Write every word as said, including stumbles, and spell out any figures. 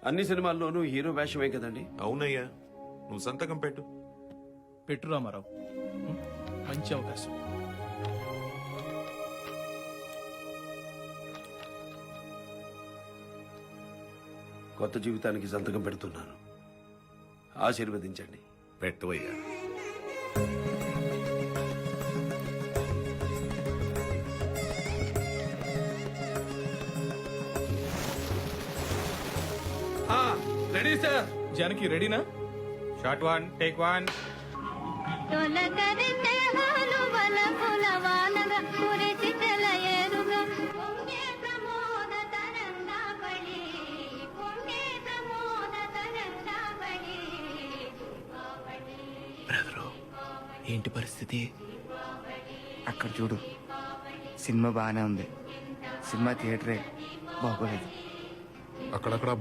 అన్ని సినిమాల్లోనూ హీరో వేషమే కదండి. అవునయ్యా, నువ్వు సంతకం పెట్టు. పెట్టు రామారావు, ఉం? మంచి అవకాశం. కొత్త జీవితానికి సంతకం పెడుతున్నాను. ఆశీర్వదించండి. పెట్టవయ్యా. Ready sir. జానకి రెడీనా? Shot one, take one. తొలకరితే హాలువల పులవానగ కురిసి తెలయేరుగ పొంగే ప్రమోద తరంగావళి పొంగే ప్రమోద తరంగావళి. బ్రదరు, ఏంటి పరిస్థితి? అక్కడ చూడు, సినిమా బాగానే ఉంది, సినిమా థియేటరే బాగోలేదు. అక్కడక్కడ